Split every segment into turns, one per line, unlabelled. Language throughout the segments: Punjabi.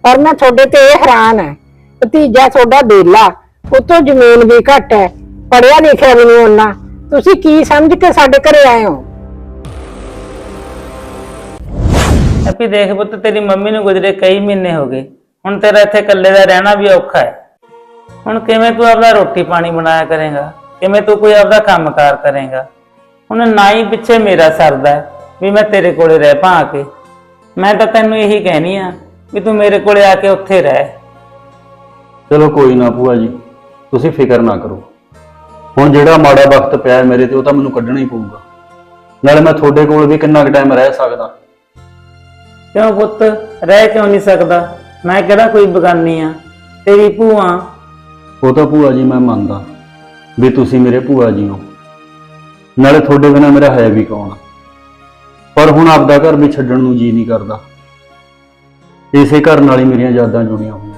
पर मैं थोड़े ते हैरान है। भतीजा थोड़ा बेला, उतो जमीन भी घट है, पढ़िया लिखिया भी नहीं उन्ना। तुसी की समझ के साडे घरे आए हो?
हैप्पी देख पुੱਤ तेरी मम्मी ਨੂੰ गुजरे कई महीने हो गए। ਹੁਣ तेरा ਇੱਥੇ ਇਕੱਲੇ ਦਾ ਰਹਿਣਾ ਵੀ ਔਖਾ ਹੈ। ਹੁਣ ਕਿਵੇਂ ਤੂੰ ਆਪਦਾ ਰੋਟੀ ਪਾਣੀ ਬਣਾਇਆ ਕਰੇਗਾ, ਕਿਵੇਂ ਤੂੰ ਕੋਈ ਆਪਦਾ ਕੰਮਕਾਰ ਕਰੇਗਾ। ਹੁਣ ਨਾ ਹੀ ਪਿੱਛੇ ਮੇਰਾ ਸਰਦਾ ਵੀ ਮੈਂ ਤੇਰੇ ਕੋਲੇ ਰਹਿ ਪਾ ਆ ਕੇ। ਮੈਂ ਤਾਂ ਤੈਨੂੰ ਇਹੀ ਕਹਿਣੀ ਆ ਵੀ ਤੂੰ ਮੇਰੇ ਕੋਲੇ ਆ ਕੇ ਉੱਥੇ ਰਹਿ।
चलो कोई ना भूआ जी, तुसी फिक्र ना करो। हुण जिहड़ा माड़ा वक्त पिया मेरे ते ओह तां मैनूं कड्ढना ही पऊगा। नाले मैं तुहाडे कोल भी किन्ना क टाइम रह सकदा।
क्यों पुੱਤ रह क्यों नहीं सकदा? मैं किहड़ा कोई बगानी आ, तेरी भूआ।
ਉਹ ਤਾਂ ਭੂਆ ਜੀ मैं ਮੰਨਦਾ ਵੀ ਤੁਸੀਂ ਮੇਰੇ ਭੂਆ ਜੀ ਹੋ, ਨਾਲੇ ਤੁਹਾਡੇ ਬਿਨਾਂ ਮੇਰਾ ਹੈ ਵੀ ਕੌਣ। ਪਰ ਹੁਣ ਆਪਦਾ ਘਰ ਵੀ ਛੱਡਣ ਨੂੰ ਜੀ ਨਹੀਂ ਕਰਦਾ। ਇਸੇ ਘਰ ਨਾਲ ਹੀ ਮੇਰੀਆਂ ਯਾਦਾਂ ਜੁੜੀਆਂ ਹੋਈਆਂ।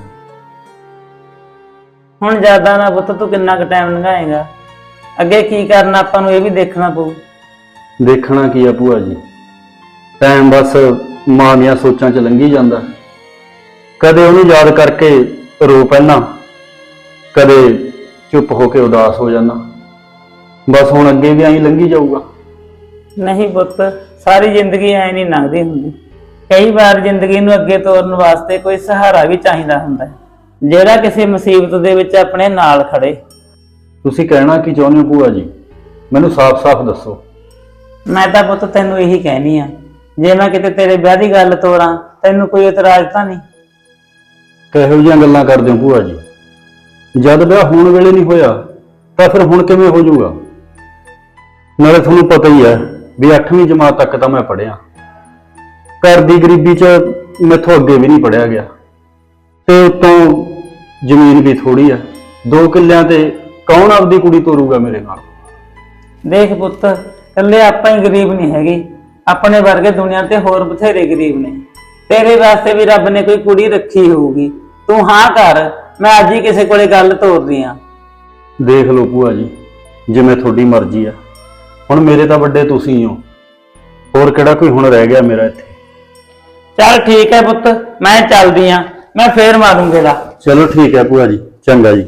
ਹੁਣ ਜ਼ਿਆਦਾ ਨਾ ਪੁੱਤ ਤੂੰ ਕਿੰਨਾ ਕੁ ਟਾਈਮ ਲੰਘਾਏਗਾ, ਅੱਗੇ ਕੀ ਕਰਨਾ ਆਪਾਂ ਨੂੰ ਇਹ ਵੀ ਦੇਖਣਾ ਪਊ।
ਦੇਖਣਾ ਕੀ ਆ ਭੂਆ ਜੀ, ਟਾਈਮ ਬਸ ਮਾਂ ਦੀਆਂ ਸੋਚਾਂ 'ਚ ਲੰਘੀ ਜਾਂਦਾ। ਕਦੇ ਉਹਨੂੰ ਯਾਦ ਕਰਕੇ ਰੋ ਪੈਣਾ, ਕਦੇ ਚੁੱਪ ਹੋ ਕੇ ਉਦਾਸ ਹੋ ਜਾਣਾ। ਬਸ ਹੁਣ ਅੱਗੇ ਵੀ ਐਂ ਲੰਘੀ ਜਾਊਗਾ।
ਨਹੀਂ ਪੁੱਤ, ਸਾਰੀ ਜ਼ਿੰਦਗੀ ਐ ਨਹੀਂ ਲੰਘਦੀ ਹੁੰਦੀ। ਕਈ ਵਾਰ ਜ਼ਿੰਦਗੀ ਨੂੰ ਅੱਗੇ ਤੋਰਨ ਵਾਸਤੇ ਕੋਈ ਸਹਾਰਾ ਵੀ ਚਾਹੀਦਾ ਹੁੰਦਾ ਹੈ, ਜਿਹੜਾ ਕਿਸੇ ਮੁਸੀਬਤ ਦੇ ਵਿੱਚ ਆਪਣੇ ਨਾਲ ਖੜੇ।
ਤੁਸੀਂ ਕਹਿਣਾ ਕੀ ਚਾਹੁੰਦੇ ਹੋ ਭੂਆ ਜੀ? ਮੈਨੂੰ ਸਾਫ਼-ਸਾਫ਼ ਦੱਸੋ।
ਮੈਂ ਤਾਂ ਪੁੱਤ ਤੈਨੂੰ ਇਹੀ ਕਹਿਣੀ ਆ, ਜੇ ਮੈਂ ਕਿਤੇ ਤੇਰੇ ਵਿਆਹ ਦੀ ਗੱਲ ਤੋਰਾਂ ਤੈਨੂੰ ਕੋਈ ਇਤਰਾਜ਼ ਤਾਂ ਨਹੀਂ?
ਕਿਹੋ ਜਿਹੀਆਂ ਗੱਲਾਂ ਕਰਦੇ ਹੋ ਭੂਆ ਜੀ? ਜਦ ਵਿਆਹ ਹੋਣ ਵੇਲੇ ਨਹੀਂ ਹੋਇਆ ਤਾਂ ਫਿਰ ਹੁਣ ਕਿਵੇਂ ਹੋ ਜਾਊਗਾ? ਨਾਲੇ ਤੁਹਾਨੂੰ ਪਤਾ ਹੀ ਹੈ ਵੀ 8ਵੀਂ ਜਮਾਤ ਤੱਕ ਤਾਂ ਮੈਂ ਪੜ੍ਹਿਆ। ਘਰ ਦੀ ਗਰੀਬੀ 'ਚ ਮੈਥੋਂ ਅੱਗੇ ਵੀ ਨਹੀਂ ਪੜ੍ਹਿਆ ਗਿਆ, ਤੇ ਉੱਤੋਂ ਜ਼ਮੀਨ ਵੀ ਥੋੜੀ ਆ। 2 ਕਿੱਲਿਆਂ ਤੇ ਕੌਣ ਆਪਦੀ ਕੁੜੀ ਤੋਰੂਗਾ ਮੇਰੇ ਨਾਲ?
ਦੇਖ ਪੁੱਤ, ਇਕੱਲੇ ਆਪਾਂ ਹੀ ਗਰੀਬ ਨਹੀਂ ਹੈਗੇ, ਆਪਣੇ ਵਰਗੇ ਦੁਨੀਆ ਤੇ ਹੋਰ ਬਥੇਰੇ ਗਰੀਬ ਨੇ। ਤੇਰੇ ਵਾਸਤੇ ਵੀ ਰੱਬ ਨੇ ਕੋਈ ਕੁੜੀ ਰੱਖੀ ਹੋਊਗੀ। ਤੂੰ ਹਾਂ ਕਰ, ਮੈਂ ਅੱਜ ਹੀ ਕਿਸੇ ਕੋਲੇ ਗੱਲ ਤੋਰਦੀ ਆ।
ਦੇਖ ਲਓ ਭੂਆ ਜੀ, ਜਿਵੇਂ ਤੁਹਾਡੀ ਮਰਜ਼ੀ ਆ। ਹੁਣ ਮੇਰੇ ਤਾਂ ਵੱਡੇ ਤੁਸੀਂ ਹੋ, ਹੋਰ ਕਿਹੜਾ ਕੋਈ ਹੁਣ ਰਹਿ ਗਿਆ ਮੇਰਾ ਇੱਥੇ।
ਚੱਲ ਠੀਕ ਹੈ ਪੁੱਤ, ਮੈਂ ਚੱਲਦੀ ਆ, ਮੈਂ ਫੇਰ ਮਾਰੂੰਗੇ ਲਾ।
ਚਲੋ ਠੀਕ ਹੈ ਭੂਆ ਜੀ, ਚੰਗਾ ਜੀ।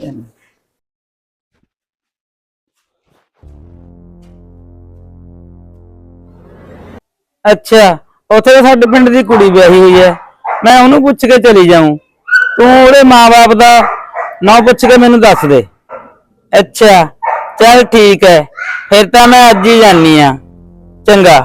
ਅੱਛਾ, ਉੱਥੇ ਤਾਂ ਸਾਡੇ ਪਿੰਡ ਦੀ ਕੁੜੀ ਵਿਆਹੀ ਹੋਈ ਹੈ, ਮੈਂ ਉਹਨੂੰ ਪੁੱਛ ਕੇ ਚਲੀ ਜਾਊਂ। ਤੂੰ ਉਹਦੇ ਮਾਂ-ਬਾਪ ਦਾ ਨਾਂ ਪੁੱਛ ਕੇ ਮੈਨੂੰ ਦੱਸ ਦੇ। ਅੱਛਾ ਚੱਲ ਠੀਕ ਹੈ, ਫਿਰ ਤਾਂ ਮੈਂ ਅੱਜ ਹੀ ਜਾਨੀ ਆ। ਚੰਗਾ।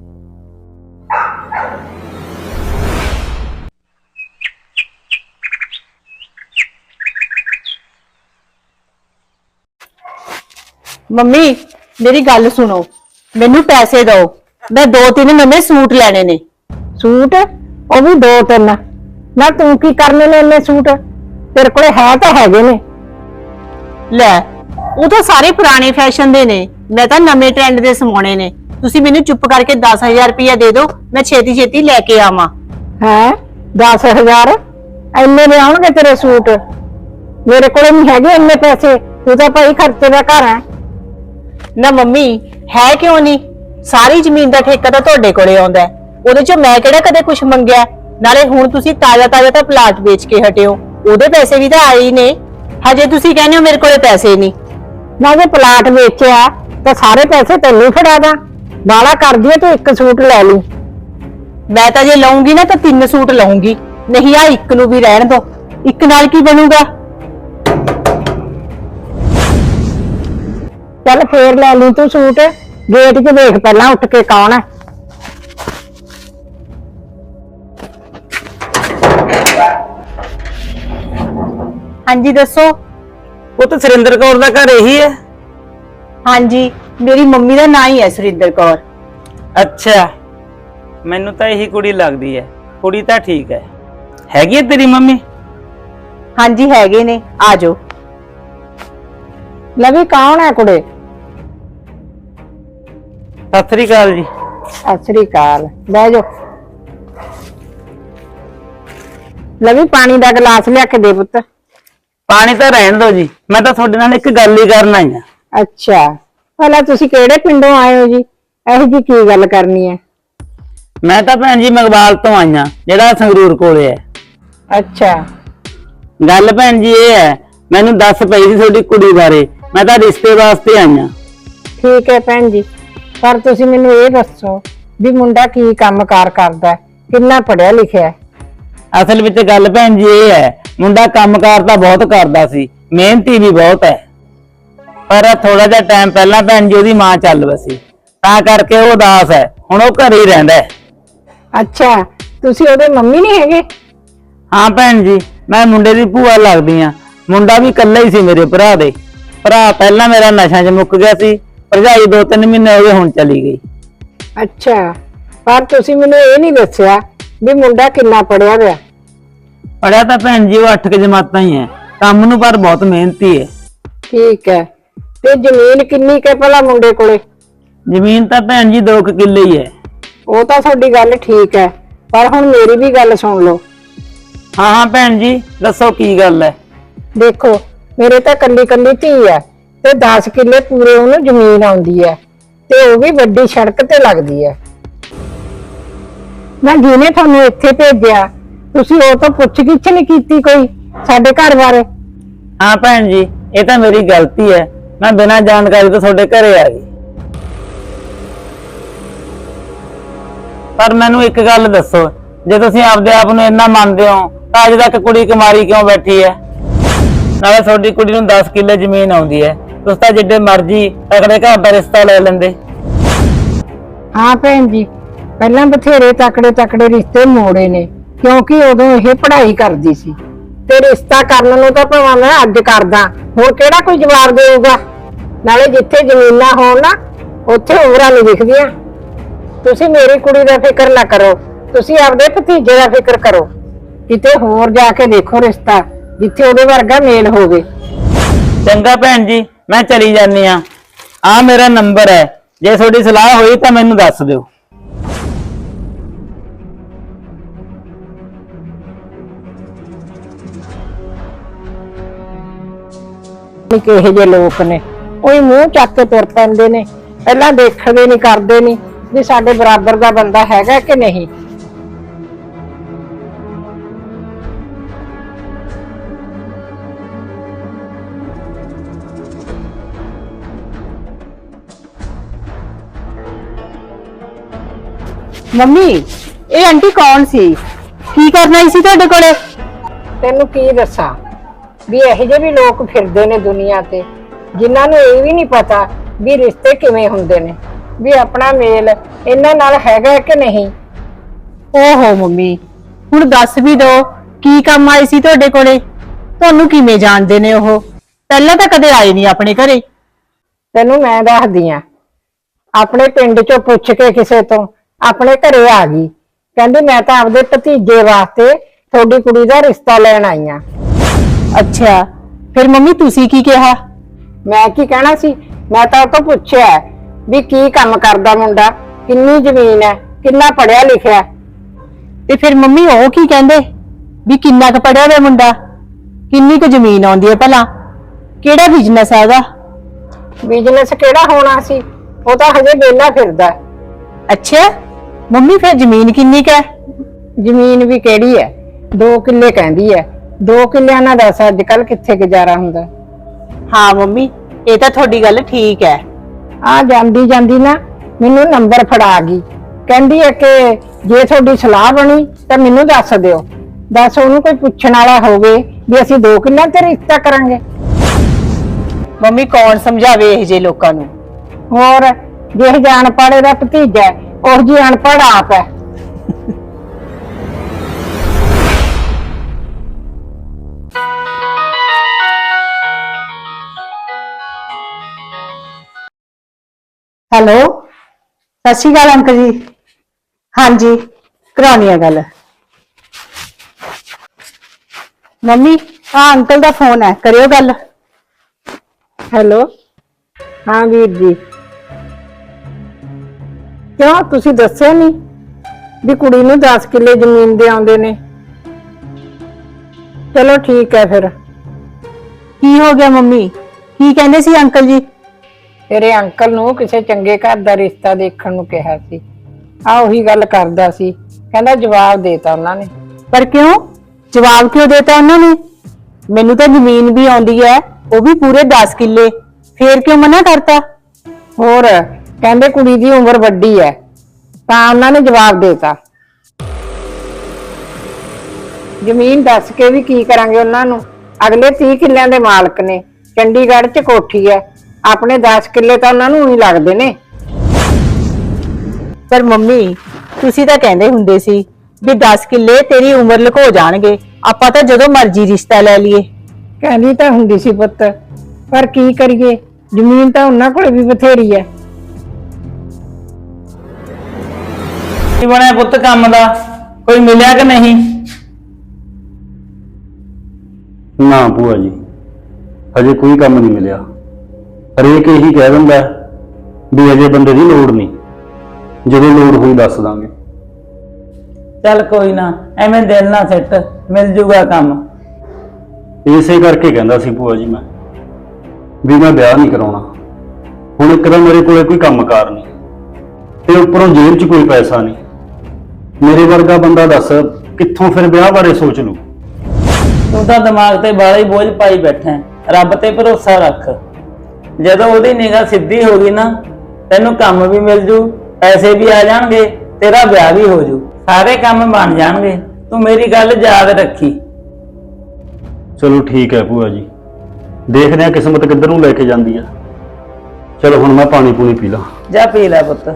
ਮੰਮੀ ਮੇਰੀ ਗੱਲ ਸੁਣੋ, ਮੈਨੂੰ ਪੈਸੇ ਦਿਓ, ਮੈਂ 2-3 ਨਵੇਂ ਸੂਟ ਲੈਣੇ ਨੇ।
सूट ਉਹ ਵੀ 2-3 ਨਾ? ਤੂੰ ਕੀ ਕਰਨੇ ਨੇ ਇੰਨੇ ਸੂਟ? ਤੇਰੇ ਕੋਲੇ ਹੈ ਤਾਂ ਹੈਗੇ ਨੇ।
ਲੈ, ਉਹ ਤਾਂ ਸਾਰੇ ਪੁਰਾਣੇ ਫੈਸ਼ਨ ਦੇ ਨੇ, ਮੈਂ ਤਾਂ ਨਵੇਂ ਟ੍ਰੈਂਡ ਦੇ ਸਮਾਉਣੇ ਨੇ। ਤੁਸੀਂ ਮੈਨੂੰ ਚੁੱਪ ਕਰਕੇ 10,000 ਰੁਪਇਆ ਦੇ ਦਿਓ, ਮੈਂ ਛੇਤੀ ਲੈ ਕੇ ਆਵਾਂ।
ਹੈ 10,000? ਇੰਨੇ ਦੇ ਆਉਣਗੇ ਤੇਰੇ ਸੂਟ? ਮੇਰੇ ਕੋਲੇ ਨਹੀਂ ਹੈਗੇ ਇੰਨੇ ਪੈਸੇ। ਤੂੰ ਤਾਂ ਭਾਈ ਖਰਚੇ ਦਾ ਘਰ ਹੈ।
ਨਾ ਮੰਮੀ, ਹੈ ਕਿਉਂ ਨਹੀਂ? ਸਾਰੀ ਜ਼ਮੀਨ ਦਾ ਠੇਕਾ ਤਾਂ ਤੁਹਾਡੇ ਕੋਲੇ ਆਉਂਦਾ ਹੈ, ਉਹਦੇ ਚੋਂ ਮੈਂ ਕਿਹੜਾ ਕਦੇ ਕੁਝ ਮੰਗਿਆ। ਨਾਲੇ ਹੁਣ ਤੁਸੀਂ ਤਾਜ਼ਾ ਤਾਂ ਪਲਾਟ ਵੇਚ ਕੇ ਹਟੇ ਹੋ, ਉਹਦੇ ਪੈਸੇ ਵੀ ਤਾਂ ਆਏ ਹੀ ਨੇ। ਹਜੇ ਤੁਸੀਂ ਕਹਿੰਦੇ ਹੋ ਮੇਰੇ ਕੋਲੇ ਪੈਸੇ ਨਹੀਂ।
ਨਾ ਜੇ ਪਲਾਟ ਵੇਚਿਆ ਤਾਂ ਸਾਰੇ ਪੈਸੇ ਤੈਨੂੰ ਫੜਾ ਦਾਂ। ਬਾਲਾ ਕਰਦੀ ਐ ਤੂੰ, ਇੱਕ ਸੂਟ ਲੈ ਲਈ।
ਮੈਂ ਤਾਂ ਜੇ ਲਊਂਗੀ ਨਾ ਤਾਂ 3 ਸੂਟ ਲਊਂਗੀ, ਨਹੀਂ ਆ ਇੱਕ ਨੂੰ ਵੀ ਰਹਿਣ ਦੋ। ਇੱਕ ਨਾਲ ਕੀ ਬਣੂਗਾ?
ਚੱਲ ਫੇਰ ਲੈ ਲਈ ਤੂੰ ਸੂਟ। ਗੇਟ 'ਚ ਦੇਖ ਪਹਿਲਾਂ ਉੱਠ ਕੇ ਕੌਣ ਹੈ।
ਹਾਂਜੀ ਦੱਸੋ।
ਉਹ ਤਾਂ ਸੁਰਿੰਦਰ ਕੌਰ ਦਾ ਘਰ ਇਹੀ ਹੈ?
ਹਾਂਜੀ, ਮੇਰੀ ਮੰਮੀ ਦਾ ਨਾਂ ਹੀ ਹੈ ਸੁਰਿੰਦਰ ਕੌਰ।
ਅੱਛਾ, ਮੈਨੂੰ ਤਾਂ ਇਹੀ ਕੁੜੀ ਲੱਗਦੀ ਹੈ। ਕੁੜੀ ਤਾਂ ਠੀਕ ਹੈ। ਹੈਗੀ ਹੈ ਤੇਰੀ ਮੰਮੀ?
ਹਾਂਜੀ ਹੈਗੇ ਨੇ, ਆ ਜਾਓ।
ਲਵੀ ਕੌਣ ਹੈ ਕੁੜੇ?
ਸਤਿ ਸ੍ਰੀ ਅਕਾਲ ਜੀ।
ਸਤਿ ਸ੍ਰੀ ਅਕਾਲ, ਬਹਿ ਜਾ। ਲਵੀ ਪਾਣੀ ਦਾ ਗਲਾਸ ਲਿਆ ਕੇ ਦੇ ਪੁੱਤ।
ਪਾਣੀ ਤਾਂ ਰਹਿਣ ਦਿਓ ਜੀ, ਮੈਂ ਤਾਂ ਤੁਹਾਡੇ ਨਾਲ ਇੱਕ ਗੱਲ ਹੀ ਕਰਨ ਆਈ ਆ।
ਅੱਛਾ, ਭਲਾ ਤੁਸੀਂ ਕਿਹੜੇ ਪਿੰਡੋਂ ਆਏ ਹੋ ਜੀ? ਇਹੋ ਜੀ ਕੀ ਗੱਲ ਕਰਨੀ ਹੈ?
ਮੈਂ ਤਾਂ ਭੈਣ ਜੀ ਮਗਵਾਲ ਤੋਂ ਆਈਆਂ, ਜਿਹੜਾ ਸੰਗਰੂਰ ਕੋਲੇ ਹੈ।
ਅੱਛਾ।
ਗੱਲ ਭੈਣ ਜੀ ਇਹ ਹੈ, ਮੈਨੂੰ ਦੱਸ ਪਈ ਸੀ ਤੁਹਾਡੀ ਕੁੜੀ ਬਾਰੇ, ਮੈਂ ਤਾਂ ਰਿਸ਼ਤੇ ਵਾਸਤੇ ਆਈਆਂ।
ਠੀਕ ਹੈ ਭੈਣ ਜੀ, ਪਰ ਤੁਸੀਂ ਮੈਨੂੰ ਇਹ ਦੱਸੋ ਵੀ ਮੁੰਡਾ ਕੀ ਕੰਮਕਾਰ ਕਰਦਾ ਹੈ, ਕਿੰਨਾ ਪੜ੍ਹਿਆ ਲਿਖਿਆ ਹੈ?
ਅਸਲ ਵਿੱਚ ਗੱਲ ਭੈਣ ਜੀ ਇਹ ਹੈ, ਮੁੰਡਾ ਕੰਮਕਾਰ ਤਾਂ ਬਹੁਤ ਕਰਦਾ ਸੀ, ਮਿਹਨਤੀ ਵੀ ਬਹੁਤ ਹੈ, ਪਰ ਥੋੜਾ ਜਿਹਾ ਟਾਈਮ ਪਹਿਲਾਂ ਭੈਣ ਜੀ ਉਹਦੀ ਮਾਂ ਚੱਲ ਵਸੀ, ਤਾਂ ਕਰਕੇ ਉਹ ਉਦਾਸ ਹੈ। ਹੁਣ ਉਹ ਘਰੇ ਹੀ ਰਹਿੰਦਾ ਹੈ।
ਅੱਛਾ, ਤੁਸੀਂ ਉਹਦੇ ਮੰਮੀ ਨਹੀਂ ਹੈਗੇ?
ਹਾਂ ਭੈਣ ਜੀ, ਮੈਂ ਮੁੰਡੇ ਦੀ ਭੂਆ ਲੱਗਦੀ ਆ। ਮੁੰਡਾ ਵੀ ਇਕੱਲਾ ਹੀ ਸੀ ਮੇਰੇ ਭਰਾ ਦੇ। ਭਰਾ ਪਹਿਲਾਂ ਮੇਰਾ ਨਸ਼ਿਆਂ 'ਚ ਮੁੱਕ ਗਿਆ ਸੀ, ਭਰਜਾਈ 2-3 ਮਹੀਨੇ ਹੋ ਗਏ ਹੁਣ ਚਲੀ ਗਈ।
ਅੱਛਾ, ਪਰ ਤੁਸੀਂ ਮੈਨੂੰ ਇਹ ਨਹੀਂ ਦੱਸਿਆ ਵੀ ਮੁੰਡਾ ਕਿੰਨਾ ਪੜ੍ਹਿਆ ਹੋਇਆ?
ਪੜਿਆ ਤਾਂ ਭੈਣ ਜੀ ਉਹ 8 ਜਮਾਤਾਂ ਹੀ ਹੈ, ਕੰਮ ਨੂੰ ਪਰ ਬਹੁਤ ਮਿਹਨਤੀ ਹੈ।
ਠੀਕ ਹੈ, ਤੇ ਜ਼ਮੀਨ ਕਿੰਨੀ ਕੁ ਹੈ ਭਲਾ ਮੁੰਡੇ ਕੋਲੇ?
ਜ਼ਮੀਨ ਤਾਂ ਭੈਣ ਜੀ 2 ਕਿੱਲੇ ਹੀ ਹੈ।
ਉਹ ਤਾਂ ਤੁਹਾਡੀ ਗੱਲ ਠੀਕ ਹੈ, ਪਰ ਹੁਣ ਮੇਰੀ ਵੀ ਗੱਲ ਸੁਣ ਲਓ।
ਹਾਂ ਹਾਂ ਭੈਣ ਜੀ, ਦੱਸੋ ਕੀ ਗੱਲ ਹੈ?
ਦੇਖੋ, ਮੇਰੇ ਤਾਂ ਕੱਲੀ ਕੱਲੀ ਧੀ ਹੈ ਤੇ 10 ਕਿੱਲੇ ਪੂਰੇ ਉਹਨੂੰ ਜ਼ਮੀਨ ਆਉਂਦੀ ਹੈ, ਤੇ ਉਹ ਵੀ ਵੱਡੀ ਸੜਕ ਤੇ ਲੱਗਦੀ ਹੈ। ਮੈਂ ਜਿਹਨੇ ਤੁਹਾਨੂੰ ਇੱਥੇ ਭੇਜਿਆ, ਤੁਸੀਂ ਉਹ ਤੋਂ ਪੁੱਛ-ਗਿੱਛ ਨਹੀਂ ਕੀਤੀ ਕੋਈ ਸਾਡੇ ਘਰ ਬਾਰੇ?
ਹਾਂ ਭੈਣ ਜੀ, ਇਹ ਤਾਂ ਮੇਰੀ ਗਲਤੀ ਹੈ, ਮੈਂ ਬਿਨਾਂ ਜਾਣਕਾਰੀ ਤੋਂ ਤੁਹਾਡੇ ਘਰੇ ਆ ਗਈ। ਪਰ ਮੈਨੂੰ ਇੱਕ ਗੱਲ ਦੱਸੋ, ਜੇ ਤੁਸੀਂ ਆਪਦੇ ਆਪ ਨੂੰ ਇੰਨਾ ਮੰਨਦੇ ਹੋ ਤਾਂ ਅਜੇ ਤੱਕ ਕੁੜੀ ਕੁਮਾਰੀ ਕਿਉਂ ਬੈਠੀ ਹੈ? ਨਾਲੇ ਤੁਹਾਡੀ ਕੁੜੀ ਨੂੰ 10 ਕਿੱਲੇ ਜ਼ਮੀਨ ਆਉਂਦੀ ਹੈ, ਤੁਸੀਂ ਤਾਂ ਜਿੱਡੇ ਮਰਜ਼ੀ ਤਕੜੇ ਘਰ ਦਾ ਰਿਸ਼ਤਾ ਲੈ ਲੈਂਦੇ।
ਹਾਂ ਭੈਣ ਜੀ, ਪਹਿਲਾਂ ਬਥੇਰੇ ਤਕੜੇ ਰਿਸ਼ਤੇ ਮੋੜੇ ਨੇ, ਕਿਉਂਕਿ ਉਦੋਂ ਇਹ ਪੜ੍ਹਾਈ ਕਰਦੀ ਸੀ, ਤੇ ਰਿਸ਼ਤਾ ਕਰਨ ਨੂੰ ਤਾਂ ਭਾਵੇਂ ਮੈਂ ਅੱਜ ਕਰਦਾ, ਹੁਣ ਕਿਹੜਾ ਕੋਈ ਜਵਾਬ ਦੇਊਗਾ? ਨਾਲੇ ਜਿੱਥੇ ਜ਼ਮੀਨਾਂ ਹੋਣ ਨਾ, ਉੱਥੇ ਉਮਰਾਂ ਨਹੀਂ ਦਿਖਦੀਆਂ। ਤੁਸੀਂ ਮੇਰੀ ਕੁੜੀ ਦਾ ਫਿਕਰ ਨਾ ਕਰੋ, ਤੁਸੀਂ ਆਪਦੇ ਭਤੀਜੇ ਦਾ ਫਿਕਰ ਕਰੋ। ਕਿਤੇ ਹੋਰ ਜਾ ਕੇ ਦੇਖੋ ਰਿਸ਼ਤਾ, ਜਿੱਥੇ ਉਹਦੇ ਵਰਗਾ ਮੇਲ ਹੋਵੇ।
ਚੰਗਾ ਭੈਣ ਜੀ, ਮੈਂ ਚਲੀ ਜਾਂਦੀ ਆ। ਆ ਮੇਰਾ ਨੰਬਰ ਹੈ, ਜੇ ਤੁਹਾਡੀ ਸਲਾਹ ਹੋਈ ਤਾਂ ਮੈਨੂੰ ਦੱਸ ਦਿਓ।
ਕਿਹੋ ਜਿਹੇ ਲੋਕ ਨੇ, ਉਹੀ ਮੂੰਹ ਚੱਕ ਕੇ ਤੁਰ ਪੈਂਦੇ ਨੇ, ਪਹਿਲਾਂ ਦੇਖਦੇ ਨਹੀਂ ਕਰਦੇ ਨਹੀਂ ਵੀ ਸਾਡੇ ਬਰਾਬਰ ਦਾ ਬੰਦਾ ਹੈਗਾ ਕਿ ਨਹੀਂ।
ਮੰਮੀ, ਇਹ ਆਂਟੀ ਕੌਣ ਸੀ? ਕੀ ਕਰਨਾ ਸੀ ਤੁਹਾਡੇ ਕੋਲੇ?
ਤੈਨੂੰ ਕੀ ਦੱਸਾਂ ਵੀ ਇਹੋ ਜਿਹੇ ਵੀ ਲੋਕ ਫਿਰਦੇ ਨੇ ਦੁਨੀਆ ਤੇ, ਜਿਨ੍ਹਾਂ ਨੂੰ ਇਹ ਵੀ ਨਹੀਂ ਪਤਾ ਵੀ ਰਿਸ਼ਤੇ ਕਿਵੇਂ ਹੁੰਦੇ ਨੇ, ਵੀ ਆਪਣਾ ਮੇਲ ਇਹਨਾਂ ਨਾਲ ਹੈਗਾ ਕਿ ਨਹੀਂ।
ਓਹੋ ਮੰਮੀ, ਹੁਣ ਦੱਸ ਵੀ ਦੋ, ਕੀ ਕੰਮ ਆਏ ਸੀ ਤੁਹਾਡੇ ਕੋਲੇ? ਤੁਹਾਨੂੰ ਕਿਵੇਂ ਜਾਣਦੇ ਨੇ ਉਹ? ਪਹਿਲਾਂ ਤਾਂ ਕਦੇ ਆਏ ਨਹੀਂ ਆਪਣੇ ਘਰੇ।
ਤੈਨੂੰ ਮੈਂ ਦੱਸਦੀ ਆ, ਆਪਣੇ ਪਿੰਡ ਚੋਂ ਪੁੱਛ ਕੇ ਕਿਸੇ ਤੋਂ ਆਪਣੇ ਘਰੇ ਆ ਗਈ, ਕਹਿੰਦੀ ਮੈਂ ਤਾਂ ਆਪਦੇ ਭਤੀਜੇ ਵਾਸਤੇ ਤੁਹਾਡੀ ਕੁੜੀ ਦਾ ਰਿਸ਼ਤਾ ਲੈਣ ਆਈ ਆ।
ਅੱਛਾ, ਫਿਰ ਮੰਮੀ ਤੁਸੀਂ ਕੀ ਕਿਹਾ?
ਮੈਂ ਕੀ ਕਹਿਣਾ ਸੀ, ਮੈਂ ਤਾਂ ਉਹ ਤੋਂ ਪੁੱਛਿਆ ਵੀ ਕੀ ਕੰਮ ਕਰਦਾ ਮੁੰਡਾ, ਕਿੰਨੀ ਜ਼ਮੀਨ ਹੈ, ਕਿੰਨਾ ਪੜ੍ਹਿਆ ਲਿਖਿਆ।
ਤੇ ਫਿਰ ਮੰਮੀ ਉਹ ਕੀ ਕਹਿੰਦੇ ਵੀ ਕਿੰਨਾ ਕੁ ਪੜਿਆ ਹੋਇਆ ਮੁੰਡਾ, ਕਿੰਨੀ ਕੁ ਜ਼ਮੀਨ ਆਉਂਦੀ ਹੈ ਭਲਾ, ਕਿਹੜਾ ਬਿਜ਼ਨਸ ਹੈ ਉਹਦਾ?
ਬਿਜ਼ਨਸ ਕਿਹੜਾ ਹੋਣਾ ਸੀ, ਉਹ ਤਾਂ ਹਜੇ ਵਿਹਲਾ ਫਿਰਦਾ।
ਅੱਛਾ ਮੰਮੀ, ਫਿਰ ਜ਼ਮੀਨ ਕਿੰਨੀ ਕੁ ਹੈ?
ਜ਼ਮੀਨ ਵੀ ਕਿਹੜੀ ਹੈ, 2 ਕਿੱਲੇ ਕਹਿੰਦੀ ਹੈ। 2 ਕਿੱਲਿਆਂ ਨਾਲ ਦੱਸ ਅੱਜ ਕੱਲ ਕਿੱਥੇ ਗੁਜ਼ਾਰਾ ਹੁੰਦਾ।
ਹਾਂ ਮੰਮੀ, ਇਹ ਤਾਂ ਤੁਹਾਡੀ ਗੱਲ ਠੀਕ ਹੈ।
ਆ ਜਾਂਦੀ ਜਾਂਦੀ ਨਾ ਮੈਨੂੰ ਨੰਬਰ ਫੜਾ ਗਈ, ਕਹਿੰਦੀ ਹੈ ਕਿ ਜੇ ਤੁਹਾਡੀ ਸਲਾਹ ਬਣੀ ਤਾਂ ਮੈਨੂੰ ਦੱਸ ਦਿਓ। ਦੱਸ ਉਹਨੂੰ ਕੋਈ ਪੁੱਛਣ ਵਾਲਾ ਹੋਵੇ ਵੀ ਅਸੀਂ 2 ਕਿੱਲਿਆਂ ਤੇ ਰਿਸ਼ਤਾ ਕਰਾਂਗੇ।
ਮੰਮੀ ਕੌਣ ਸਮਝਾਵੇ ਇਹ ਜੇ ਲੋਕਾਂ ਨੂੰ?
ਹੋਰ ਜੇ ਜਾਣ ਪਾੜੇ ਦਾ ਭਤੀਜਾ ਉਹ ਜੀ ਅਨਪੜ੍ਹ ਆਪ ਹੈ।
ਹੈਲੋ, ਸਤਿ ਸ਼੍ਰੀ ਅਕਾਲ ਅੰਕਲ ਜੀ। ਹਾਂਜੀ, ਕਰਾਉਣੀ ਆ ਗੱਲ। ਮੰਮੀ, ਆ ਅੰਕਲ ਦਾ ਫੋਨ ਹੈ, ਕਰਿਓ ਗੱਲ।
ਹੈਲੋ, ਹਾਂ ਵੀਰ ਜੀ। ਕਿਉਂ ਤੁਸੀਂ ਦੱਸਿਆ ਨਹੀਂ ਵੀ ਕੁੜੀ ਨੂੰ 10 ਕਿੱਲੇ ਜ਼ਮੀਨ ਦੇ ਆਉਂਦੇ ਨੇ? ਚਲੋ ਠੀਕ ਹੈ ਫਿਰ।
ਕੀ ਹੋ ਗਿਆ ਮੰਮੀ? ਕੀ ਕਹਿੰਦੇ ਸੀ ਅੰਕਲ ਜੀ?
ਤੇਰੇ ਅੰਕਲ ਨੂੰ ਕਿਸੇ ਚੰਗੇ ਘਰ ਦਾ ਰਿਸ਼ਤਾ ਦੇਖਣ ਨੂੰ ਕਿਹਾ ਸੀ। ਆ ਉਹੀ ਗੱਲ ਕਰਦਾ ਸੀ, ਕਹਿੰਦਾ ਜਵਾਬ ਦੇਤਾ ਉਹਨਾਂ ਨੇ।
ਪਰ ਕਿਉਂ? ਜਵਾਬ ਕਿਉਂ ਦੇਤਾ ਉਹਨਾਂ ਨੇ? ਮੈਨੂੰ ਤਾਂ ਜ਼ਮੀਨ ਵੀ ਆਉਂਦੀ ਹੈ, ਉਹ ਵੀ ਪੂਰੇ 10 ਕਿੱਲੇ, ਫੇਰ ਕਿਉਂ ਮਨਾ ਕਰਤਾ?
ਹੋਰ ਕਹਿੰਦੇ ਕੁੜੀ ਦੀ ਉਮਰ ਵੱਡੀ ਹੈ ਤਾਂ ਉਹਨਾਂ ਨੇ ਜਵਾਬ ਦੇਤਾ। ਜ਼ਮੀਨ ਦੱਸ ਕੇ ਵੀ ਕੀ ਕਰਾਂਗੇ ਉਹਨਾਂ ਨੂੰ? ਅਗਲੇ 30 ਕਿੱਲਿਆਂ ਦੇ ਮਾਲਕ ਨੇ, ਚੰਡੀਗੜ੍ਹ 'ਚ ਕੋਠੀ ਹੈ, ਆਪਣੇ 10 ਕਿੱਲੇ ਤਾਂ ਉਹਨਾਂ ਨੂੰ ਹੀ ਲੱਗਦੇ ਨੇ।
ਪਰ ਮੰਮੀ, ਤੁਸੀਂ ਤਾਂ ਕਹਿੰਦੇ ਹੁੰਦੇ ਸੀ ਵੀ 10 ਕਿੱਲੇ ਤੇਰੀ ਉਮਰ ਲੁਕੋ ਜਾਣਗੇ, ਆਪਾਂ ਤਾਂ ਜਦੋਂ ਮਰਜ਼ੀ ਰਿਸ਼ਤਾ ਲੈ ਲਈਏ।
ਕਹਿੰਦੀ ਤਾਂ ਹੁੰਦੀ ਸੀ ਪੁੱਤ, ਪਰ ਕੀ ਕਰੀਏ, ਜ਼ਮੀਨ ਤਾਂ ਉਹਨਾਂ ਕੋਲ ਵੀ ਬਥੇਰੀ ਹੈ।
ਕੀ ਬਣਿਆ ਪੁੱਤ ਕੰਮ ਦਾ? ਕੋਈ ਮਿਲਿਆ ਕਿ ਨਹੀਂ?
ਨਾ ਭੂਆ ਜੀ, ਹਜੇ ਕੋਈ ਕੰਮ ਨਹੀਂ ਮਿਲਿਆ। ਹਰੇਕ ਇਹੀ ਕਹਿ ਦਿੰਦਾ ਵੀ ਅਜੇ ਬੰਦੇ ਦੀ ਲੋੜ ਨਹੀਂ, ਜਦੋਂ ਲੋੜ ਹੋਈ ਦੱਸ ਦਾਂਗੇ।
ਚੱਲ ਕੋਈ ਨਾ, ਐਵੇਂ ਦਿਲ ਨਾ ਸਿੱਟ, ਮਿਲ ਜੂਗਾ ਕੰਮ।
ਇਸੇ ਕਰਕੇ ਕਹਿੰਦਾ ਸੀ ਭੂਆ ਜੀ ਮੈਂ ਵੀ ਮੈਂ ਵਿਆਹ ਨਹੀਂ ਕਰਾਉਣਾ। ਹੁਣ ਇੱਕ ਤਾਂ ਮੇਰੇ ਕੋਲੇ ਕੋਈ ਕੰਮਕਾਰ ਨਹੀਂ ਤੇ ਉੱਪਰੋਂ ਜੇਬ 'ਚ ਕੋਈ ਪੈਸਾ ਨਹੀਂ। ਮੇਰੇ ਵਰਗਾ ਬੰਦਾ ਦੱਸ ਕਿੱਥੋਂ ਫਿਰ ਵਿਆਹ ਬਾਰੇ ਸੋਚ ਲੂ?
ਤੂੰ ਤਾਂ ਦਿਮਾਗ ਤੇ ਬਾਹਲਾ ਹੀ ਬੋਝ ਪਾਈ ਬੈਠਾ ਹੈ। ਰੱਬ ਤੇ ਭਰੋਸਾ ਰੱਖ, ਜਦੋਂ ਉਹਦੀ ਨਿਗਾਹ ਸਿੱਧੀ ਹੋ ਗਈ ਨਾ, ਤੈਨੂੰ ਕੰਮ ਵੀ ਮਿਲ ਜੂ, ਪੈਸੇ ਵੀ ਆ ਜਾਣਗੇ, ਤੇਰਾ ਵਿਆਹ ਵੀ ਹੋ ਜੂ, ਸਾਰੇ ਕੰਮ ਬਣ ਜਾਣਗੇ। ਤੂੰ ਮੇਰੀ ਗੱਲ ਯਾਦ ਰੱਖੀ।
ਚਲੋ ਠੀਕ ਹੈ ਭੂਆ ਜੀ, ਦੇਖਦੇ ਹਾਂ ਕਿਸਮਤ ਕਿੱਧਰ ਨੂੰ ਲੈ ਕੇ ਜਾਂਦੀ ਆ। ਚਲੋ ਹੁਣ ਮੈਂ ਪਾਣੀ ਪੂਣੀ ਪੀ ਲਾਂ।
ਜਾ ਪੀ ਲੈ ਪੁੱਤ।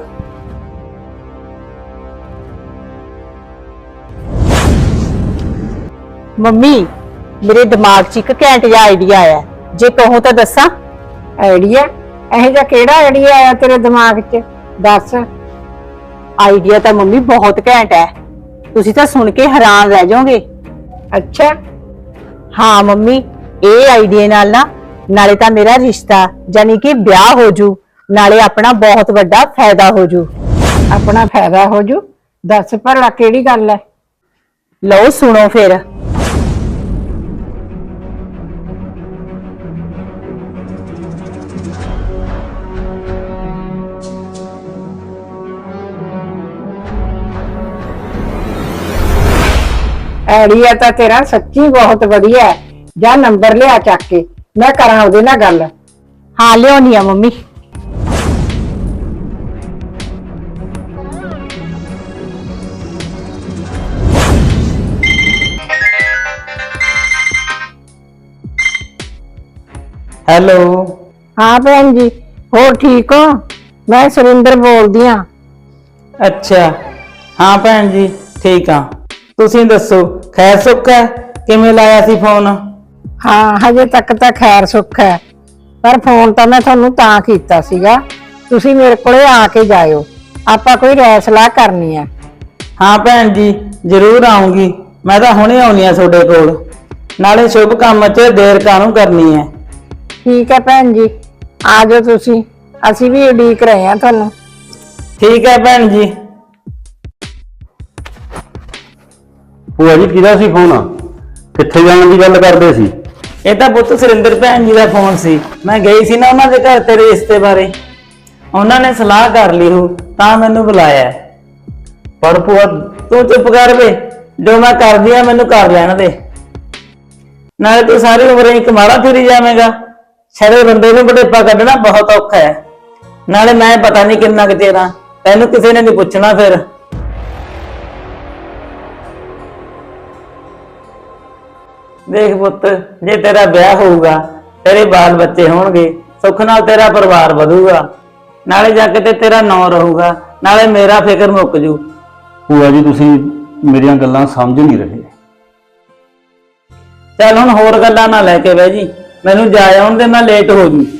ਮੰਮੀ, ਮੇਰੇ ਦਿਮਾਗ 'ਚ ਇੱਕ ਘੈਂਟ ਜਿਹਾ ਆਈਡੀਆ ਆਇਆ, ਜੇ ਕਹੋ ਤਾਂ ਦੱਸਾਂ?
ਆਈਡੀਆ? ਇਹੋ ਜਿਹਾ ਕਿਹੜਾ ਆਈਡੀਆ ਆਇਆ ਤੇਰੇ ਦਿਮਾਗ 'ਚ? ਦੱਸ।
ਆਈਡੀਆ ਤਾਂ ਮੰਮੀ ਬਹੁਤ ਘੈਂਟ ਹੈ, ਤੁਸੀਂ ਤਾਂ ਸੁਣ ਕੇ ਹੈਰਾਨ ਰਹਿ ਜਾਓਗੇ।
ਅੱਛਾ,
ਹਾਂ ਮੰਮੀ, ਇਹ ਆਈਡੀਆ ਨਾਲ ਨਾ ਨਾਲੇ ਤਾਂ ਮੇਰਾ ਰਿਸ਼ਤਾ ਯਾਨੀ ਕਿ ਵਿਆਹ ਹੋ ਜੂ, ਨਾਲੇ ਆਪਣਾ ਬਹੁਤ ਵੱਡਾ ਫਾਇਦਾ ਹੋ ਜੂ।
ਆਪਣਾ ਫਾਇਦਾ ਹੋ ਜੂ? ਦੱਸ ਭਲਾ ਕਿਹੜੀ ਗੱਲ ਹੈ?
ਲਓ ਸੁਣੋ ਫਿਰ।
ਆਈਡੀਆ ਤਾਂ ਤੇਰਾ ਸੱਚੀ ਬਹੁਤ ਵਧੀਆ ਹੈ। ਜਾਂ ਨੰਬਰ ਲਿਆ ਚੱਕ ਕੇ, ਮੈਂ ਕਰਾਂ ਉਹਦੇ ਨਾਲ ਗੱਲ।
ਹਾਂ ਲਿਆਉਣੀ ਆ ਮੰਮੀ।
ਹੈਲੋ।
ਹਾਂ ਭੈਣ ਜੀ, ਹੋਰ ਠੀਕ ਹੋ? ਮੈਂ ਸੁਰਿੰਦਰ ਬੋਲਦੀ ਹਾਂ।
ਅੱਛਾ, ਹਾਂ ਭੈਣ ਜੀ ਠੀਕ ਆ। ਤੁਸੀਂ ਦੱਸੋ, ਖੈਰ ਸੁੱਖ ਹੈ? ਕਿਵੇਂ ਲਾਇਆ ਸੀ ਫੋਨ?
ਹਾਂ, ਹਜੇ ਤੱਕ ਤਾਂ ਖੈਰ ਸੁੱਖ ਹੈ, ਪਰ ਫੋਨ ਤਾਂ ਮੈਂ ਤੁਹਾਨੂੰ ਤਾਂ ਕੀਤਾ ਸੀਗਾ, ਤੁਸੀਂ ਮੇਰੇ ਕੋਲੇ ਆ ਕੇ ਜਾਇਓ, ਆਪਾਂ ਕੋਈ ਰਾਏ ਸਲਾਹ ਕਰਨੀ ਹੈ।
ਹਾਂ ਭੈਣ ਜੀ, ਜ਼ਰੂਰ ਆਉਂਗੀ। ਮੈਂ ਤਾਂ ਹੁਣੇ ਆਉਣੀ ਆ ਤੁਹਾਡੇ ਕੋਲ, ਨਾਲੇ ਸ਼ੁਭ ਕੰਮ 'ਚ ਦੇਰ ਕਾਹਨੂੰ ਕਰਨੀ ਹੈ।
ਠੀਕ ਹੈ ਭੈਣ ਜੀ, ਆ ਜਾਓ ਤੁਸੀਂ, ਅਸੀਂ ਵੀ ਉਡੀਕ ਰਹੇ ਹਾਂ ਤੁਹਾਨੂੰ।
ਠੀਕ ਹੈ ਭੈਣ ਜੀ।
ਭੂਆ ਜੀ ਕਿਹਦਾ ਸੀ ਫੋਨ? ਕਿੱਥੇ ਜਾਣ ਦੀ ਗੱਲ ਕਰਦੇ ਸੀ?
ਇਹ ਤਾਂ ਪੁੱਤ ਸੁਰਿੰਦਰ ਭੈਣ ਜੀ ਦਾ ਫੋਨ ਸੀ। ਮੈਂ ਗਈ ਸੀ ਨਾ ਉਹਨਾਂ ਦੇ ਘਰ ਤੇਰੇ ਰਿਸ਼ਤੇ ਬਾਰੇ, ਉਹਨਾਂ ਨੇ ਸਲਾਹ ਕਰ ਲਈ ਹੋ ਤਾਂ ਮੈਨੂੰ ਬੁਲਾਇਆ।
ਪਰ ਭੂਆ
ਤੂੰ ਚੁੱਪ ਕਰ ਵੇ, ਜੋ ਮੈਂ ਕਰਦੀ ਆ ਮੈਨੂੰ ਕਰ ਲੈਣ ਦੇ। ਨਾਲੇ ਤੂੰ ਸਾਰੀ ਉਮਰ ਇੱਕ ਮਾੜਾ ਫਿਰੀ ਜਾਵੇਂਗਾ। ਛੜੇ ਬੰਦੇ ਨੂੰ ਬੜੇਪਾ ਕੱਢਣਾ ਬਹੁਤ ਔਖਾ ਹੈ। ਨਾਲੇ ਮੈਂ ਪਤਾ ਨਹੀਂ ਕਿੰਨਾ ਕੁ ਚਿਰ ਆ, ਤੈਨੂੰ ਕਿਸੇ ਨੇ ਨਹੀਂ ਪੁੱਛਣਾ। ਫਿਰ ਦੇਖ ਪੁੱਤ, ਜੇ ਤੇਰਾ ਵਿਆਹ ਹੋਊਗਾ, ਤੇਰੇ ਬਾਲ ਬੱਚੇ ਹੋਣਗੇ, ਸੁੱਖ ਨਾਲ ਤੇਰਾ ਪਰਿਵਾਰ ਵਧੂਗਾ, ਨਾਲੇ ਜਾ ਕੇ ਤੇ ਤੇਰਾ ਨਾਂ ਰਹੂਗਾ, ਨਾਲੇ ਮੇਰਾ ਫਿਕਰ ਮੁੱਕ ਜੂ।
ਭੂਆ ਜੀ ਤੁਸੀਂ ਮੇਰੀਆਂ ਗੱਲਾਂ ਸਮਝ ਨਹੀਂ ਰਹੇ।
ਚੱਲ ਹੁਣ ਹੋਰ ਗੱਲਾਂ ਨਾ ਲੈ ਕੇ ਬਹਿ ਜੀ, ਮੈਨੂੰ ਜਾ ਆਉਣ ਦੇ, ਮੈਂ ਲੇਟ ਹੋ ਜੂ।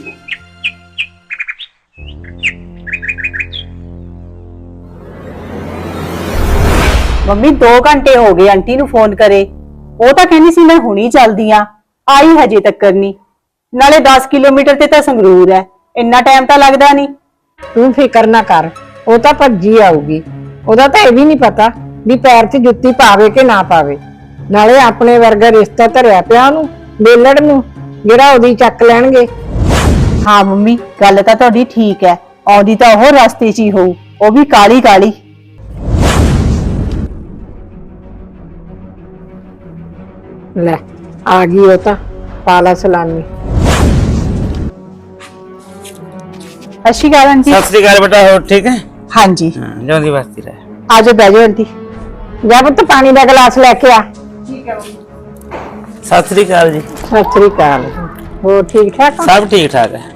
ਮੰਮੀ 2 ਘੰਟੇ ਹੋ ਗਏ ਆਂਟੀ ਨੂੰ ਫੋਨ ਕਰੇ, ਉਹ ਤਾਂ ਕਹਿੰਦੀ ਸੀ ਮੈਂ ਹੁਣੀ ਚੱਲਦੀ ਆ, ਆਈ ਹਜੇ ਤੱਕ ਨਹੀਂ। ਨਾਲੇ 10 ਕਿਲੋਮੀਟਰ ਤੇ ਤਾਂ ਸੰਗਰੂਰ ਹੈ, ਇੰਨਾ ਟਾਈਮ ਤਾਂ ਲੱਗਦਾ ਨਹੀਂ।
ਤੂੰ ਫਿਕਰ ਨਾ ਕਰ, ਉਹ ਤਾਂ ਭੱਜੀ ਆਊਗੀ। ਉਹਦਾ ਤਾਂ ਇਹ ਵੀ ਨਹੀਂ ਪਤਾ ਵੀ ਪੈਰ 'ਚ ਜੁੱਤੀ ਪਾਵੇ ਕਿ ਨਾ ਪਾਵੇ। ਨਾਲੇ ਆਪਣੇ ਵਰਗਾ ਰਿਸ਼ਤਾ ਧਰਿਆ ਪਿਆ ਉਹਨੂੰ, ਬੇਲੜ ਨੂੰ, ਜਿਹੜਾ ਉਹਦੀ ਚੱਕ ਲੈਣਗੇ।
ਹਾਂ ਮੰਮੀ, ਗੱਲ ਤਾਂ ਤੁਹਾਡੀ ਠੀਕ ਹੈ, ਆਉਂਦੀ ਤਾਂ ਉਹ ਰਸਤੇ 'ਚ ਹੀ ਹੋਊ, ਉਹ ਵੀ ਕਾਲੀ ਕਾਲੀ।
ਲੈ ਆ ਗਈ ਉਹ ਤਾਂ, ਪਾਲਾ ਸਲਾਮੀ।
ਅੱਛੀ ਗੱਲ ਆਂਟੀ।
ਸਤਿ ਸ੍ਰੀ ਅਕਾਲ ਬੇਟਾ, ਹੋਰ ਠੀਕ ਹੈ?
ਹਾਂਜੀ
ਹਾਂ, ਜਿਉਂਦੀ ਵਸਦੀ ਰਹਿ।
ਆਜੋ ਬਹਿ ਜਾਓ ਆਂਟੀ।
ਜਾ ਪੁੱਤ ਪਾਣੀ ਦਾ ਗਲਾਸ ਲੈ ਕੇ ਆ।
ਸਤਿ ਸ੍ਰੀ ਅਕਾਲ ਜੀ।
ਸਤਿ ਸ੍ਰੀ ਅਕਾਲ। ਹੋਰ ਠੀਕ ਠਾਕ ਹੋ?
ਸਭ ਠੀਕ ਠਾਕ ਹੈ।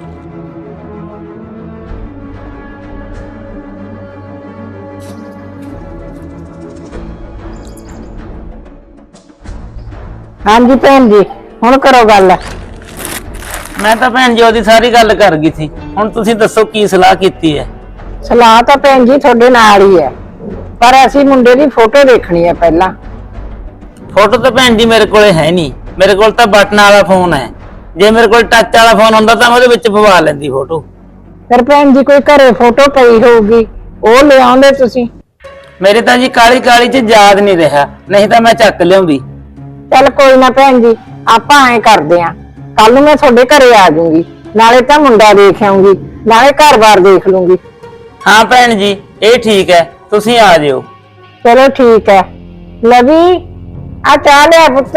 ਹਾਂਜੀ ਭੈਣ ਜੀ, ਹੁਣ ਕਰੋ ਗੱਲ।
ਮੈਂ ਤਾਂ ਭੈਣ ਜੀ ਉਹਦੀ ਸਾਰੀ ਗੱਲ ਕਰ ਗਈ ਸੀ। ਹੁਣ ਤੁਸੀਂ ਦੱਸੋ ਕੀ ਸਲਾਹ ਕੀਤੀ ਹੈ?
ਸਲਾਹ ਤਾਂ ਭੈਣ ਜੀ ਤੁਹਾਡੇ ਨਾਲ ਹੀ ਹੈ, ਪਰ ਅਸੀਂ ਮੁੰਡੇ ਦੀ ਫੋਟੋ ਦੇਖਣੀ ਹੈ ਪਹਿਲਾਂ।
ਫੋਟੋ ਤਾਂ ਭੈਣ ਜੀ ਮੇਰੇ ਕੋਲੇ ਹੈ ਨਹੀਂ। ਮੇਰੇ ਕੋਲ ਤਾਂ ਬਟਨ ਵਾਲਾ ਫੋਨ ਹੈ। ਜੇ ਮੇਰੇ ਕੋਲ ਟੱਚ ਵਾਲਾ ਫੋਨ ਹੁੰਦਾ ਤਾਂ ਮੈਂ ਉਹਦੇ ਵਿੱਚ ਪਵਾ ਲੈਂਦੀ ਫੋਟੋ।
ਫਿਰ ਭੈਣ ਜੀ ਕੋਈ ਘਰੇ ਫੋਟੋ ਪਈ ਹੋਊਗੀ, ਉਹ ਲੈ ਆਉਂਦੇ ਤੁਸੀਂ।
ਮੇਰੇ ਤਾਂ ਜੀ ਕਾਲੀ ਕਾਲੀ ਚ ਯਾਦ ਨਹੀਂ ਰਿਹਾ, ਨਹੀਂ ਤਾਂ ਮੈਂ ਚੱਕ ਲਿਆਉਂਦੀ।
ਚੱਲ ਕੋਈ ਨਾ ਭੈਣ ਜੀ, ਆਪਾਂ ਐਂ ਕਰਦੇ ਆਂ, ਕੱਲ ਨੂੰ ਮੈਂ ਤੁਹਾਡੇ ਘਰੇ ਆ ਜਾਊਂਗੀ, ਨਾਲੇ ਤਾਂ ਮੁੰਡਾ ਦੇਖ ਆਉਂਗੀ, ਨਾਲੇ ਘਰ-ਬਾਰ ਦੇਖ ਲੂੰਗੀ।
ਹਾਂ ਭੈਣ ਜੀ, ਇਹ ਠੀਕ ਹੈ, ਤੁਸੀਂ ਆ ਜਿਓ।
ਚਲੋ ਠੀਕ ਹੈ। ਲਵੀ ਆ ਚਾਹ ਲਿਆ ਪੁੱਤ।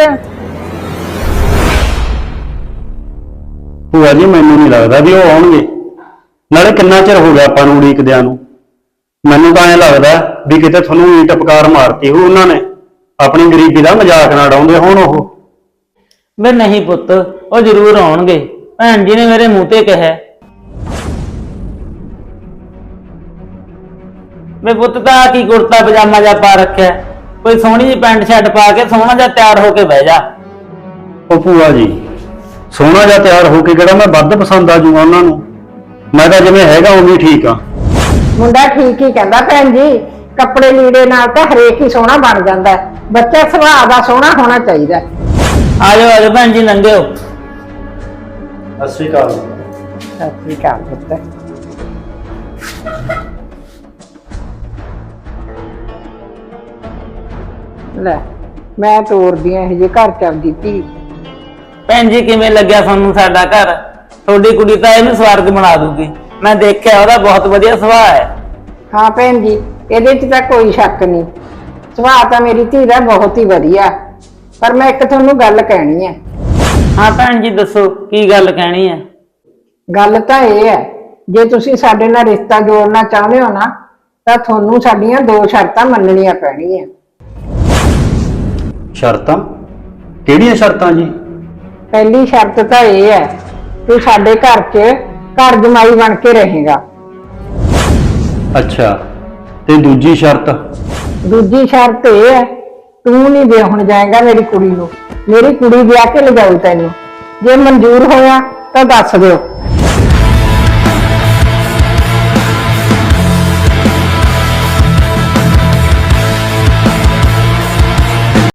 ਭੂਆ ਜੀ ਮੈਨੂੰ ਨਹੀਂ ਲੱਗਦਾ ਵੀ ਉਹ ਆਉਣਗੇ। ਨਾਲੇ ਕਿੰਨਾ ਚਿਰ ਹੋ ਗਿਆ ਆਪਾਂ ਨੂੰ ਉਡੀਕਦਿਆਂ ਨੂੰ। ਮੈਨੂੰ ਤਾਂ ਐਂ ਲੱਗਦਾ ਵੀ ਕਿਤੇ ਤੁਹਾਨੂੰ ਈਟ ਪਕਾਰ ਮਾਰਤੀ ਹੋ ਉਹਨਾਂ ਨੇ, ਆਪਣੀ ਗਰੀਬੀ ਦਾ ਮਜ਼ਾਕ ਨਾ ਉਡਾਉਂਦੇ ਹੋਣ ਉਹ।
ਵੇ ਨਹੀਂ ਪੁੱਤ, ਉਹ ਜ਼ਰੂਰ ਆਉਣਗੇ। ਭੈਣ ਜੀ ਨੇ ਮੇਰੇ ਮੂੰਹ ਤੇ ਕਿਹਾ। ਵੇ ਪੁੱਤ ਤਾਂ ਕੀ ਕੁੜਤਾ ਪਜਾਮਾ ਜਿਹਾ ਪਾ ਰੱਖਿਆ, ਕੋਈ ਸੋਹਣੀ ਜਿਹੀ ਪੈਂਟ ਸ਼ਰਟ ਪਾ ਕੇ ਸੋਹਣਾ ਜਿਹਾ ਤਿਆਰ ਹੋ ਕੇ ਬਹਿ ਜਾ।
ਉਹ ਭੂਆ ਜੀ, ਸੋਹਣਾ ਜਿਹਾ ਤਿਆਰ ਹੋ ਕੇ ਕਿਹੜਾ ਮੈਂ ਵੱਧ ਪਸੰਦ ਆ ਜੂਗਾ ਉਹਨਾਂ ਨੂੰ। ਮੈਂ ਤਾਂ ਜਿਵੇਂ ਹੈਗਾ ਉਵੇਂ ਠੀਕ ਆ।
ਮੁੰਡਾ ਠੀਕ ਹੀ ਕਹਿੰਦਾ ਭੈਣ ਜੀ, ਕੱਪੜੇ ਲੀੜੇ ਨਾਲ ਤਾਂ ਹਰੇਕ ਹੀ ਸੋਹਣਾ ਬਣ ਜਾਂਦਾ ਹੈ। ਬੱਚਾ ਸੁਭਾਅ ਦਾ ਸੋਹਣਾ ਹੋਣਾ ਚਾਹੀਦਾ।
ਆ ਜਾਓ ਭੈਣ ਜੀ, ਲੰਘਿਓ।
ਸਤਿ ਸ਼੍ਰੀ ਅਕਾਲ।
ਸਤਿ ਸ੍ਰੀ ਅਕਾਲ ਪੁੱਤ। ਲੈ ਮੈਂ ਤੋਰਦੀ ਆਂ ਇਹ ਜੇ ਘਰ ਚੱਲਦੀ ਧੀ।
ਭੈਣ ਜੀ ਕਿਵੇਂ ਲੱਗਿਆ ਤੁਹਾਨੂੰ ਸਾਡਾ ਘਰ? ਤੁਹਾਡੀ ਕੁੜੀ ਤਾਂ ਇਹਨੂੰ ਸਵਰਗ ਬਣਾ ਦੂਗੀ। ਮੈਂ ਦੇਖਿਆ, ਉਹਦਾ ਬਹੁਤ ਵਧੀਆ ਸੁਭਾਅ ਹੈ।
ਹਾਂ ਭੈਣ ਜੀ, ਇਹਦੇ 'ਚ ਤਾਂ ਕੋਈ ਸ਼ੱਕ ਨਹੀਂ, ਸੁਭਾਅ ਤਾਂ ਮੇਰੀ ਧੀ ਦਾ ਬਹੁਤ ਹੀ ਵਧੀਆ। ਪਰ ਮੈਂ ਇੱਕ ਤੁਹਾਨੂੰ ਗੱਲ ਕਹਿਣੀ ਹੈ।
ਹਾਂ ਭੈਣ ਜੀ ਦੱਸੋ, ਕੀ ਗੱਲ ਕਹਿਣੀ ਹੈ?
ਗੱਲ ਤਾਂ ਇਹ ਹੈ, ਜੇ ਤੁਸੀਂ ਸਾਡੇ ਨਾਲ ਰਿਸ਼ਤਾ ਜੋੜਨਾ ਚਾਹੁੰਦੇ ਹੋ ਨਾ, ਤਾਂ ਤੁਹਾਨੂੰ ਸਾਡੀਆਂ 2 ਸ਼ਰਤਾਂ ਮੰਨਣੀਆਂ ਪੈਣਗੀਆਂ।
ਸ਼ਰਤਾਂ? ਕਿਹੜੀਆਂ ਸ਼ਰਤਾਂ ਜੀ?
ਪਹਿਲੀ ਸ਼ਰਤ ਤਾਂ ਇਹ ਹੈ, ਤੂੰ ਸਾਡੇ ਘਰ 'ਚ ਘਰ ਜਮਾਈ ਬਣ ਕੇ ਰਹੇਗਾ।
ਅੱਛਾ, ਤੇ ਦੂਜੀ ਸ਼ਰਤ?
ਦੂਜੀ ਸ਼ਰਤ ਇਹ ਹੈ, ਤੂੰ ਨਹੀਂ ਵਿਆਹਣ ਜਾਏਗਾ ਮੇਰੀ ਕੁੜੀ ਨੂੰ, ਮੇਰੀ ਕੁੜੀ ਵਿਆਹ ਕੇ ਲਿਜਾਊ ਤੈਨੂੰ। ਜੇ ਮਨਜ਼ੂਰ ਹੋਇਆ ਤਾਂ ਦੱਸ ਦਿਓ।